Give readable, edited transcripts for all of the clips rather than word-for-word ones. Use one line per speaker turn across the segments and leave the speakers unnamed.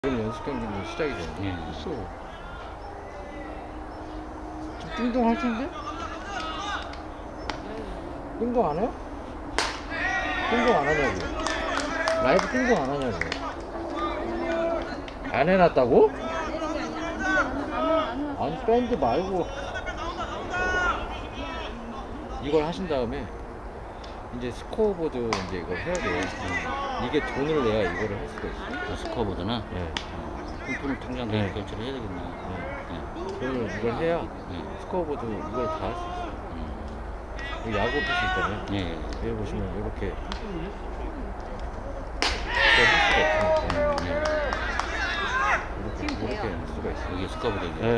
그럼 연습 경기는 시작이 되네.
예.
했어. 좀 띵동 할 텐데? 띵동 안 해요? 띵동 안 하냐고. 라이브 띵동 안 하냐고. 안 해놨다고? 아니 밴드 말고 이걸 하신 다음에 이제 스코어보드 이제 이걸 해야 돼요. 이게 돈을 내야 이거를 할 수가 있어요.
스코어보드나
네.
품품 통장도
네.
결제를 해야 되겠네.
돈을 이걸 해야
네.
스코어보드 이걸 다 할 수 있어요. 여기 야구 표시 있잖아요.
예.
여기 보시면 이렇게 이걸 할 수가 없으니까 이렇게 할 수가 있어요.
여기 스코어보드.
예.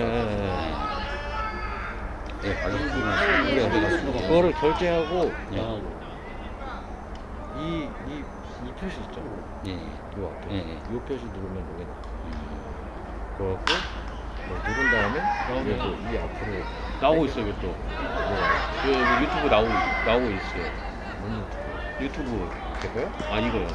예, 알겠습니다. 우리가
그거를 결제하고
예.
이 표시 있죠?
예.
요 앞에
예.
이 표시 누르면 여기 나. 그래갖고 뭐 누른 다음에 이게 또이 앞으로
나오고 있어요, 이것도. 그 유튜브 나오고 있어요. 유튜브.
될까요?
아, 이거요.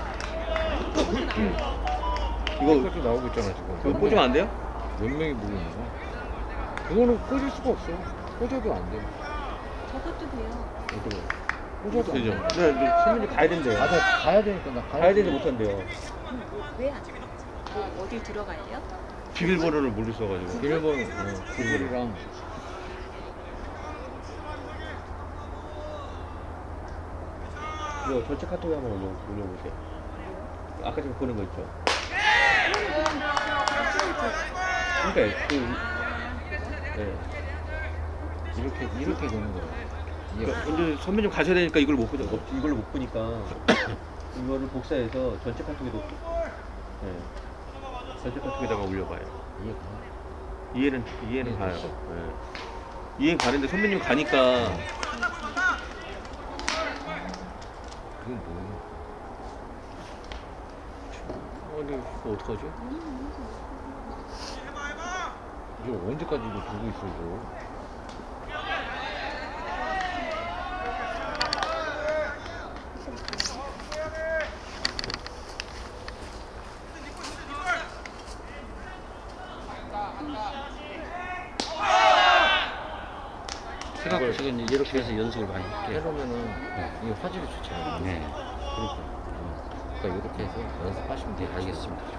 이거 이것도 나오고 있잖아 지금.
그거 꽂으면 안 돼요?
몇 명이 보고 있는 거야? 그거는 꽂을 수가 없어. 꽂아도 안 돼.
저것도 돼요.
꽂아도 안
되죠?
돼.
네, 선배님 가야 된대요.
아, 나 가야 되니까 나
가야 되는데 못 한대요.
왜 안 돼요? 어딜 들어가야 돼요?
비밀번호를 모르셔가지고.
비밀번호, 구글이랑
이거 전체 카톡에 한번 올려보세요. 아까 전에 보낸 거 있죠? 그러니까 네.
이렇게 되는 거야. 이게
그러니까 근데 선배님 가셔야 되니까 이걸 못 보죠. 이걸로 못 보니까 이거를 복사해서 전체 카톡에 놓고 전체 카톡에다가 올려봐요.
이해가.
이해는 가요. 이해는 가는데 선배님 가니까
그건 뭐야?
아니 이거 어떡하지?
이거 언제까지 이거 들고 있어 이거?
지금 이렇게 해서 연습을 많이 할게요.
해놓으면은 이게 화질이 좋잖아요.
네.
그러니까 이렇게 해서 연습하시면 돼요.
알겠습니다.